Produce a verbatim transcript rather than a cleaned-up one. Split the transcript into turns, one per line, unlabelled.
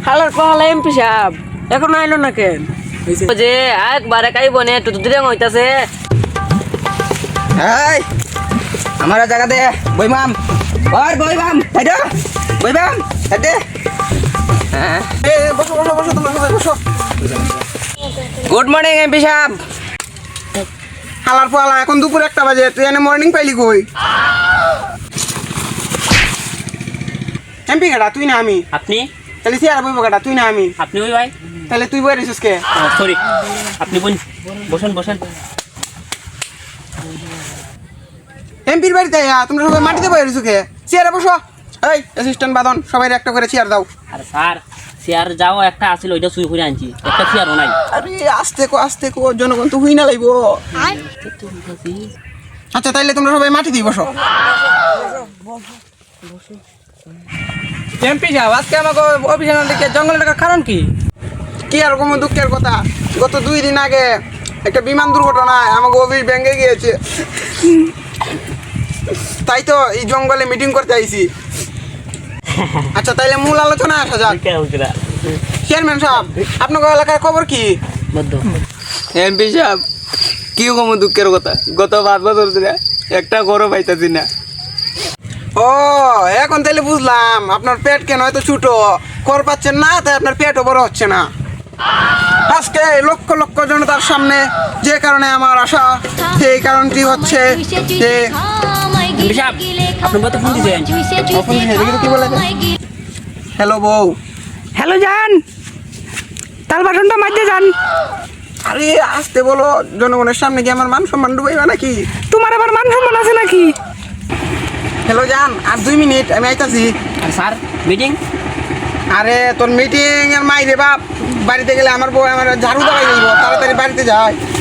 হালার পাহালা এমপি সাহেব এখন আইলো না কেন? যে একবারে কাই বনে তো দুদিন হইতাছে।
এই আমার জায়গা দে বইমাম ওর বইমাম তাইডা বইমাম তাইডে হ্যাঁ এ বসো বসো বসো তোমরা সবাই বসো। গুড মর্নিং এমপি সাহেব। হালার পাহালা এখন দুপুর একটা বাজে, তুই এনে মর্নিং পাইলি কই? এমপি গাড়া তুই না আমি?
আপনি?
তাহলে চেয়ার বইব গাড়া তুই না আমি?
আপনি ওই ভাই?
তাহলে তুই বই রেছিস কে?
সরি, আপনি বলুন, বসেন বসেন।
এমপির বাড়িতে আয়া তোমরা সবাই মাটিতে বই রেছো কে? চেয়ারে বসো। এই অ্যাসিস্ট্যান্ট বাদন সবাই একটা করে চেয়ার দাও।
আরে স্যার, চেয়ার যাও একটা আছিল ওইটা চুরি করে আনছি, একটা চেয়ারও নাই।
আরে আস্তে কো আস্তে কো, জনগণ তো হুই না লাইবো। আচ্ছা তাইলে তোমরা সবাই মাটিতেই বসো।
এমপি সাহেব আজকে আমাকে অফিসে না দেখে জঙ্গলে টাকার কারণ কি?
কি আর কোনো দুঃখের কথা, গত দুই দিন আগে একটা বিমান দুর্ঘটনায় আমাকে অফিস ভেঙে গিয়েছে, তাই তো এই জঙ্গলে মিটিং করতে আইছি। আচ্ছা তাইলে মূল আলোচনা আসা যাক। চেয়ারম্যান সাহেব আপনার এলাকার খবর কি?
এমপি সাহেব কি কম দুঃখের কথা, গত পাঁচ বছর ধরে একটা গরম পাইতাছি না।
ও এখন তাইলে বুঝলাম আপনার পেট কেন হয়তো ছোট, কর পাচ্ছেন না তাই আপনার পেটও বড় হচ্ছে না। আজকে লক্ষ লক্ষ জনতার সামনে যে কারণে আমার আশা, সেই কারণটি হচ্ছে যে
আপনি কত ফোন দিয়েছেন?
কি বলে হ্যালো বউ।
হ্যালো জান, তাল বাসনটা মাঝে যান।
আরে আসতে বলো, জনগণের সামনে কি আমার মান সম্মান ডুবাইবা নাকি?
তোমার আবার মান সম্মান আছে নাকি?
হ্যালো জান, আর দুই মিনিট আমি আইতাছি।
আর স্যার মিটিং?
আরে তোর মিটিং এর মাইরে বাপ, বাড়িতে গেলে আমার বউ আমার ঝাড়ু দাঁড়াই দিব, তাড়াতাড়ি বাড়িতে যায়।